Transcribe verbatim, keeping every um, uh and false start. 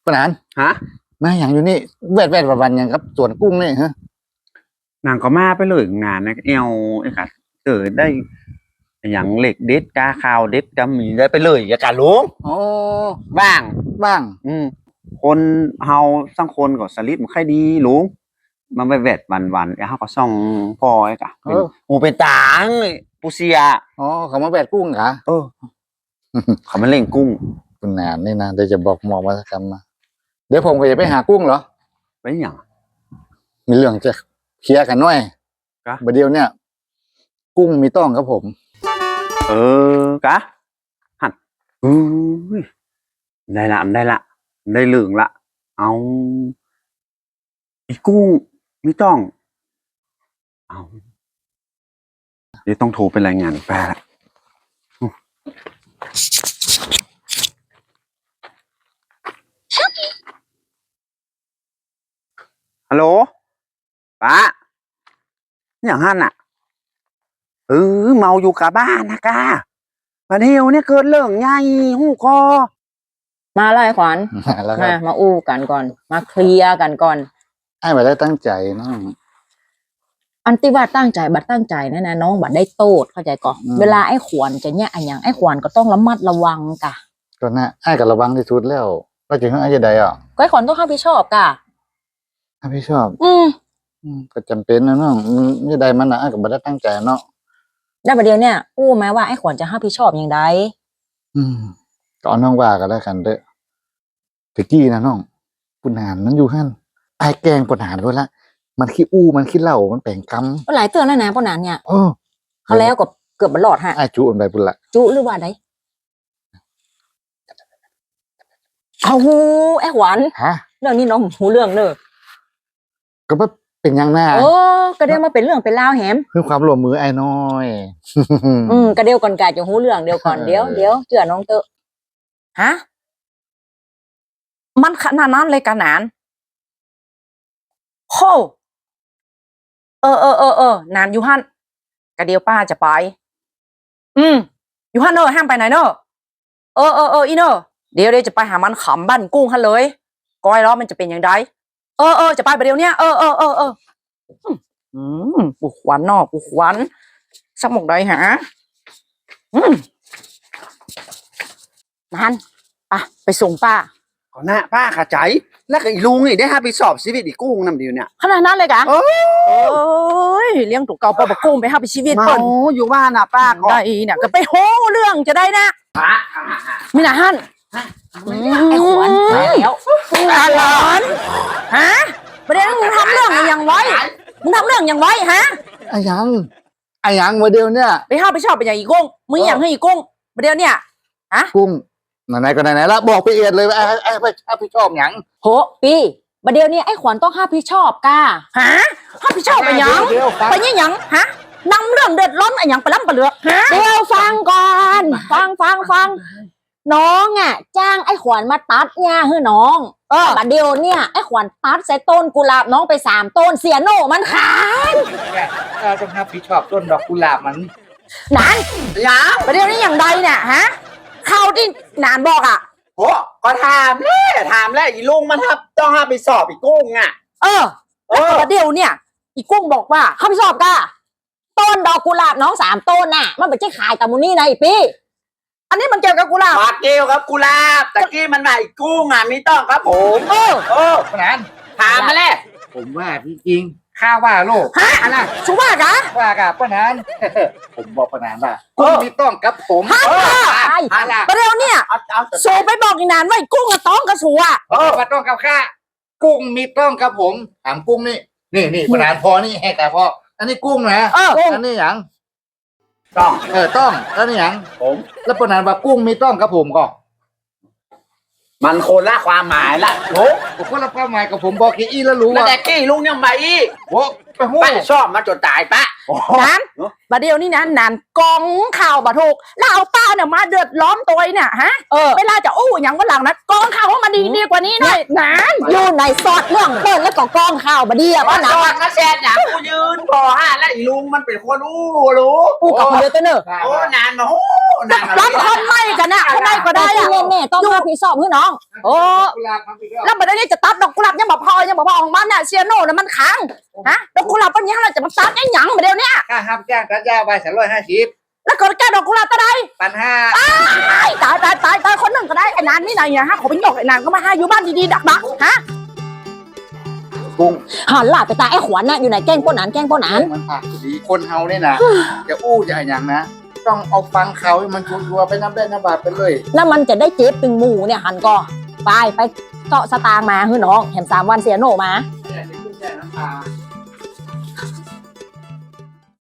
ปนานฮะมาอย่างอยู่นี่แวดแวดวันอย่างกับสวนกุ้งนี่ฮะนางก็มาไปเลยงานนะเอวไอ้ค่ะเกิดได้อย่างเหล็กเด็ดกาขาวเด็ดกาหมีได้ไปเลยอย่าการลุงโอ้บ้างบ้างอืมคนเฮาสังคนก็สลิดมันค่อยดีลุงมันไปแวดวันวันไอ้เฮาก็ส่องพอไอ้กะเป็นหูเป็นตางปูเซียอ๋อเขามาแวดกุ้งเหรอเออเขามาเล่งกุ้งคุณนานนี่นะเดี๋ยวจะบอกหมอมาสักคำมาเดี๋ยวผมก็จะไปหากุ้งเหรอไปอย่างมีเรื่องจะเคลียร์กันหน่อยประเดี๋ยวเนี่ยกุ้งมีต้องครับผมเออกะหันอือได้ละได้ละได้เหลืองละเอาอีกุ้งมีต้องเอาเดี๋ยวต้องโทรไปรายงานแปลละฮัลโหลป้าอย่างฮั่นอ่ะเออเมาอยู่กับบ้านนะกามาเที่ยวเนี่ยเกิดเรื่องใหญ่หูคอมาเลยขวัญมามาอู้กันก่อนมาเคลียร์กันก่อนไอ้บัดได้ตั้งใจน้องอันที่ว่าตั้งใจบัดตั้งใจนั่นนะน้องบัดได้โตดเข้าใจก่อนเวลาไอ้ขวัญจะเนี่ยไอ้ยังไอ้ขวัญก็ต้องระมัดระวังกะก็น่ะไอ้กับระวังที่สุดแล้วก็จะให้ไอ้จะได้อ่ะก็ไอ้ขวัญต้องรับผิดชอบกะรับผิดชอบอืมก็จำเป็นนะน้องนี่ได้มันนะไอ้กับบัดได้ตั้งใจเนาะได้ประเดี๋ยวเนี่ยอู้ไหมว่าไอ้ขวัญจะรับผิดชอบอย่างไรอืมก็น้องว่ากันแล้วกันเด้อตะกี้นะน้องปุณานมันอยู่หั่นไอ้แกงปุณานด้วยละมันขี้อู้มันขี้เหล้ามันแปลงกำก็หลายเตือนแล้วนะปุณานเนี่ยเออเขาแล้วก็เกือบบลอดฮะไอ้จุอันใดปุละจุหรือว่าไดเอาหูไอ้ขวัญฮะเรื่องนี้น้องหูเรื่องเนอะก็ว่าเป็นยังหน้าโอ้กระเดียวมาเป็นเรื่องเป็นราวแหมคือความร่วมมือไอ้น้อยอืมกระเดียวก่อนกาจะหูเรื่องเดียวก่อนเดี๋ยวเดี๋ยวเจือน้องเตอะฮะมันขนาดนั้นเลยกันนานโหเออเออเออเออนานอยู่ฮั่นกระเดียวป้าจะไปอืมอยู่ฮั่นเนอะห้ามไปไหนเนอะเออเออเอออีเนอะเดี๋ยวเดี๋ยวจะไปหามันขำบ้านกุ้งฮั่นเลยก้อยล้อมันจะเป็นอย่างไรเออเออจะไปประเดี๋ยวเนี้ยเออเออเออเอออืมปูขวัญนอกปูขวัญสักหมกใดหาอืมมันอ่ะไปส่งป้าก่อนหน้าป้าขาใจแล้วก็อีลุงนี่ได้ห้าไปสอบชีวิตอีกุ้งนำเดียวเนี่ยขนาดนั้นเลยกะโอ้ยเลี้ยงถูกเก่าปอบกุ้งไปห้าไปชีวิตเปิ้ลอยู่บ้านน่ะป้าก็ได้เนี่ยก็ไปโหเรื่องจะได้นะมีหน้าฮั่นไอ้ขวัญแล้วอาหลานฮะประเด็นมึงทำเรื่องอย่างไว้มึงทำเรื่องอย่างไว้ฮะไอ้ยังไอ้ยังโมเดลเนี่ยไปห้าไปชอบไปอย่างอีกุ้งมึงอย่างให้อีกุ้งประเด็นเนี่ยฮะกุ้งไหนๆก็ไหนๆแล้วบอกไปเอียดเลยว่าไอ้ไอ้ไอ้พี่ชอบหยังโหปีประเดี๋ยวนี้ไอ้ขวัญต้องห้าพี่ชอบก้าฮะห้าพี่ชอบไปยังไปยังยังฮะนำเรื่องเดือดร้อนอะไรอย่างไปล้ำไปเลือกเดี๋ยวฟังก่อนฟังฟังฟังน้องอ่ะจ้างไอ้ขวัญมาตัดเนี่ยเฮ้น้องเออประเดี๋ยวเนี่ยไอ้ขวัญตัดใส่ต้นกุหลาบน้องไปสามต้นเสียโน่มันขายต้องห้าพี่ชอบต้นดอกกุหลาบมันนานยังประเดี๋ยวนี้อย่างใดเนี่ยฮะเข้าที่นานบอกอ่ะโอ้ก็ถามแล้ถามแล้วอีลุงมันครับต้องห้าไปสอบอีกุ้งอ่ะเออเออประเดี๋ยวเนี่ยอีกุ้งบอกว่าเข้าไปสอบก้าต้นดอกกุหลาบน้องสามต้นน่ะมันไม่ใช่ขายกับมูนี่นะอีพี่อันนี้มันเกี่ยวกับกุหลาบมาเกี่ยวกับกุหลาบตะกี้มันมาอีกุ้งอ่ะมีต้องครับผมเออเออขนาดถามมาแล้วผมว่าจริงข้าว่าโลกฮะอะไรชูว่ากะว่ากะป้านานผมบอกป้านานว่ากุ้งมีต้องกับผมฮะอะไรประเดี๋ยวเนี่ยโซไปบอกอีนานว่ากุ้งกับต้องกับชูอ่ะเออมาต้องกับข้ากุ้งมีต้องกับผมถามกุ้งนี่นี่นี่ป้านานพอนี่แหกแต่พออันนี้กุ้งนะเอออันนี้หยังต้องเออต้องแล้วนี่หยังผมแล้วป้านานว่ากุ้งมีต้องกับผมก็มันคนละความหมายละโอ้ผมคนละความหมายกับผมบอกกี้แล้วรู้ว่าแต่กี้ลุงยังไงโอ้ไปหู้ชอบมาจนตายปะนั้นประเดี๋ยวนี้นะนานกองข่าวบะถูกแล้วเอาป้าเนี่ยมาเดือดร้อนตัวเนี่ยฮะเวลาจะอู้อย่างวันหลังนะกองข่าวว่ามันดีดีกว่านี้หน่อยนั้นอยู่ในซอดเรื่องเปิดแล้วก็กองข่าวบะเดียว่าหนักมาแซดอย่างกูยืนพอฮะแล้วอีลุงมันเป็นคนอู้รู้อู้กับคนเดียวตัวเนอะโอ้นานมาโอ้รับคนไม่กันนะคนไม่ก็ได้อะแม่ต้องรับผิดชอบเพื่อน้องโอ้แล้วบัดนี้จะตัดดอกกุหลาบยังบอกพอยังบอกพอของมันน่ะเซียโน่น่ะมันค้างฮะดอกกุหลาบปัญญาเราจะมาตัดไอ้หยังมาเดี๋ยวนี้ค่าห้ามจ้างตัดยาใบสามร้อยห้าสิบแล้วก็แกดอกกุหลาบก็ได้ปันห้าตายตายตายตายคนหนึ่งก็ได้ไอ้นานนี่ไหนเนี่ยฮะขอเป็นหยกไอ้นานก็มาให้อยู่บ้านดีๆดักๆฮะกุ้งหันหล่าไปตาไอ้ขวัญน่ะอยู่ไหนแกล้งป้นหนานแกล้งป้นหนานมันปากดีคนเฮาเนี่ยนะจะอู้จะอย่างนะ ต้องเอาฟังเขาให้มันชัวร์ๆไปน้ำได้น้ำบาดไปเลยแล้วมันจะได้เจ็บตึงหมูเนี่ยหันก็ไปไปเกาะสตางค์มาเฮ้ยน้องแถมสามวันเสียโหนมาแค่จะขึ้นแค่น้ำตา